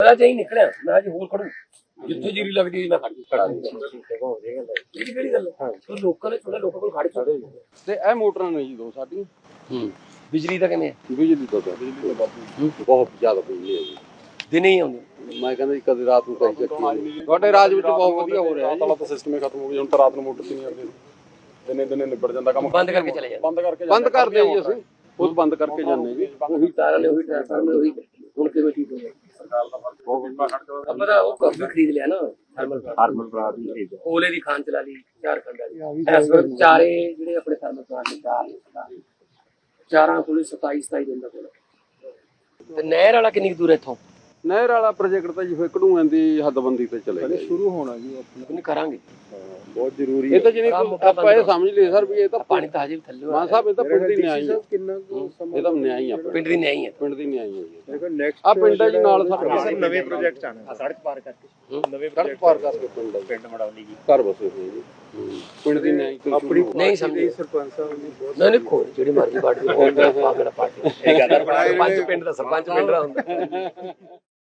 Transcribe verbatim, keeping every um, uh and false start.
ਪਤਾ ਚਾਹੀ ਨਿਕਲਿਆ ਮੈਂ ਅੱਜ ਹੋਰ ਖੜੂ ਜਿੱਥੇ ਜੀਰੀ ਲੱਗਦੀ ਮੈਂ ਖੜ ਇਹ ਕਿਹੜੀ ਗੱਲ ਹੈ ਲੋਕਾਂ ਨੇ ਥੋੜਾ ਲੋਕਾਂ ਕੋਲ ਖੜ ਚੁੱਕੇ ਤੇ ਇਹ ਮੋਟਰਾਂ ਨੇ ਜੀ ਦੋ ਸਾਡੀਆਂ ਹੂੰ ਬਿਜਲੀ ਦਾ ਕਿਵੇਂ ਬਿਜਲੀ ਤੋਂ ਬਿਜਲੀ ਤੋਂ ਬਾਪੂ ਬਹੁਤ ਜ਼ਿਆਦਾ ਬਿਜਲੀ ਹੈ ਜੀ ਦਿਨੇ ਹੀ ਆਉਂਦੀ ਮੈਂ ਕਹਿੰਦਾ ਜੀ ਕਦੇ ਰਾਤ ਨੂੰ ਕਹੀ ਚੱਕੀ ਤੁਹਾਡੇ ਰਾਜ ਵਿੱਚ ਬਹੁਤ ਵਧੀਆ ਹੋ ਰਿਹਾ ਜੀ ਤਾਂ ਸਿਸਟਮ ਹੀ ਖਤਮ ਹੋ ਗਿਆ ਹੁਣ ਤਾਂ ਰਾਤ ਨੂੰ ਮੋਟਰ ਤੇ ਨਹੀਂ ਆਉਂਦੇ ਦਿਨੇ ਦਿਨੇ ਨਿਬੜ ਜਾਂਦਾ ਕੰਮ ਬੰਦ ਕਰਕੇ ਚਲੇ ਜਾਂਦੇ ਬੰਦ ਕਰਕੇ ਬੰਦ ਕਰਦੇ ਜੀ ਅਸੀਂ ਖੁਦ ਬੰਦ ਕਰਕੇ ਜਾਂਦੇ ਜੀ ਉਹੀ ਤਾਰਾਂ ਨੇ ਉਹੀ ਟ੍ਰਾਂਸਫਾਰਮਰ ਉਹੀ ਹੁਣ ਕਿਵੇਂ ਠੀਕ ਹੋ ਗਿਆ ਸਰਕਾਰ ਦਾ ਫਰਕ ਬਹੁਤ ਆਪਣਾ ਉਹ ਕਾਫੀ ਖਰੀਦ ਲਿਆ ਨਾ ਥਰਮਲ ਹਾਰਮਲ ਬਰਾਦ ਹੀ ਖਰੀਦ ਕੋਲੇ ਦੀ ਖਾਨ ਚਲਾ ਲਈ ਚਾਰ ਖੰਡਾਂ ਦੀ ਇਸ ਵਕਤ ਚਾਰੇ ਜਿਹੜੇ ਆਪਣੇ ਥਰਮਲ ਪਲਾਂਟ ਨੇ ਚਾਰ ਚਾਰਾਂ ਕੋਲੇ ਸਤਾਈ ਸਤਾਈ ਦਿਨ ਦਾ ਕੋਲ ਤੇ ਨਹਿਰ ਵਾਲਾ ਕਿੰਨੀ ਦੂਰ ਇੱਥੋਂ ਨਹਿਰ ਵਾਲਾ ਪ੍ਰੋਜੈਕਟ ਤਾਂ ਜੀ ਫਿਰ ਕਢੂਆਂ ਦੀ ਹੱਦਬੰਦੀ ਤੇ ਚਲੇ ਗਿਆ ਸ਼ੁਰੂ ਹੋਣਾ ਜੀ ਉਹਨੇ ਕਰਾਂਗੇ ਬਹੁਤ ਜ਼ਰੂਰੀ ਹੈ ਇਹ ਤਾਂ ਜਿਹਨੇ ਆਪਾਂ ਇਹ ਸਮਝ ਲਈਏ ਸਰ ਵੀ ਇਹ ਤਾਂ ਪਾਣੀ ਤਾਂ ਹਜੇ ਵੀ ਥੱਲੇ ਮਾਨ ਸਾਹਿਬ ਇਹ ਤਾਂ ਪਿੰਡ ਦੀ ਨਿਆਈ ਹੈ ਕਿੰਨਾ ਇਹ ਤਾਂ ਨਿਆਈ ਆ ਪਿੰਡ ਦੀ ਨਹੀਂ ਹੈ ਪਿੰਡ ਦੀ ਨਿਆਈ ਹੈ ਜੀ ਦੇਖੋ ਨੈਕਸਟ ਆ ਪਿੰਡ ਹੈ ਜੀ ਨਾਲ ਸਾਡੇ ਨਵੇਂ ਪ੍ਰੋਜੈਕਟ ਆਣੇ ਸੜਕ ਪਾਰ ਕਰਕੇ ਨਵੇਂ ਸੜਕ ਪਾਰ ਕਰਕੇ ਪਿੰਡ ਹੈ ਪਿੰਡ ਮੜਾਉਣੀ ਜੀ ਘਰ ਬਸੇ ਹੋਏ ਜੀ ਪਿੰਡ ਦੀ ਨਿਆਈ ਆਪਣੀ ਨਹੀਂ ਸਮਝੇ ਸਰਪੰਚ ਸਾਹਿਬ ਨੇ ਬਹੁਤ ਨਹੀਂ ਨਹੀਂ ਕੋਈ ਜਿਹੜੀ ਮਰਜ਼ੀ ਪਾਰਟੀ ਪਾਗਲ ਪਾਰਟੀ ਇਹ ਗੱਲ ਸਰਪੰਚ ਪਿੰਡ ਦਾ ਸਰਪੰਚ ਪਿੰਡ ਦਾ ਹੁੰਦਾ